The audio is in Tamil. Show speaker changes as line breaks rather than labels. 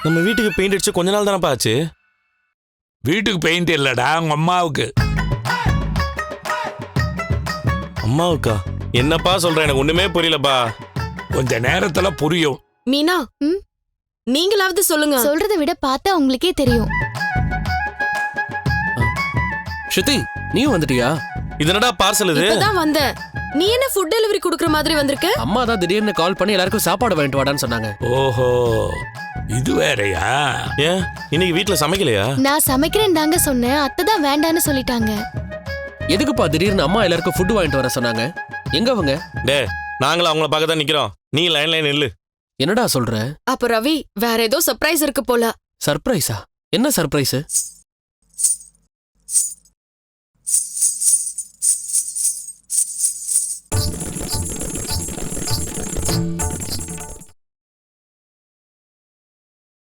நம்ம வீட்டுக்கு பெயிண்ட் அடிச்சு கொஞ்ச நாள் தானப்பா ஆச்சு.
வீட்டுக்கு பெயிண்ட் இல்லடா, உங்க அம்மாவுக்கு.
அம்மாவுக்கா? என்னப்பா சொல்ற, எனக்கு ஒண்ணுமே புரியலப்பா.
கொஞ்ச நேரத்துல புரியும்.
மீனா, நீங்களாவது சொல்லுங்க.
சொல்றதை விட பார்த்தா உங்களுக்கே தெரியும்.
ஸ்ருதி, நீயும் வந்துட்டியா?
இது என்னடா பார்சல் இது?
இப்பதான் வந்தேன். நீ என்ன ஃபுட் டெலிவரி குடுக்குற மாதிரி வந்திருக்க?
அம்மா தான் திடீர்னு கால் பண்ணி எல்லாருக்கும் சாப்பாடு வாங்கிட்டு வாடான்னு சொன்னாங்க.
ஓஹோ, இது வேறயா?
ஏன் இன்னைக்கு வீட்டுல சமைக்கலையா?
நான் சமைக்கிறேன் தாங்க சொன்னேன், அத்தை தான் வேண்டான்னு சொல்லிட்டாங்க.
எதுக்குப்பா திடீர்னு அம்மா எல்லாருக்கும் ஃபுட் வாங்கிட்டு வர சொன்னாங்க? எங்க அவங்க?
டே, நாங்களும் அவங்கள பார்க்க தான் நிக்கிறோம். நீ லைன்ல நில்லு.
என்னடா சொல்ற?
அப்ப ரவி, வேற ஏதோ சர்ப்ரைஸ் இருக்கு போல.
சர்ப்ரைஸா? என்ன சர்ப்ரைஸ்?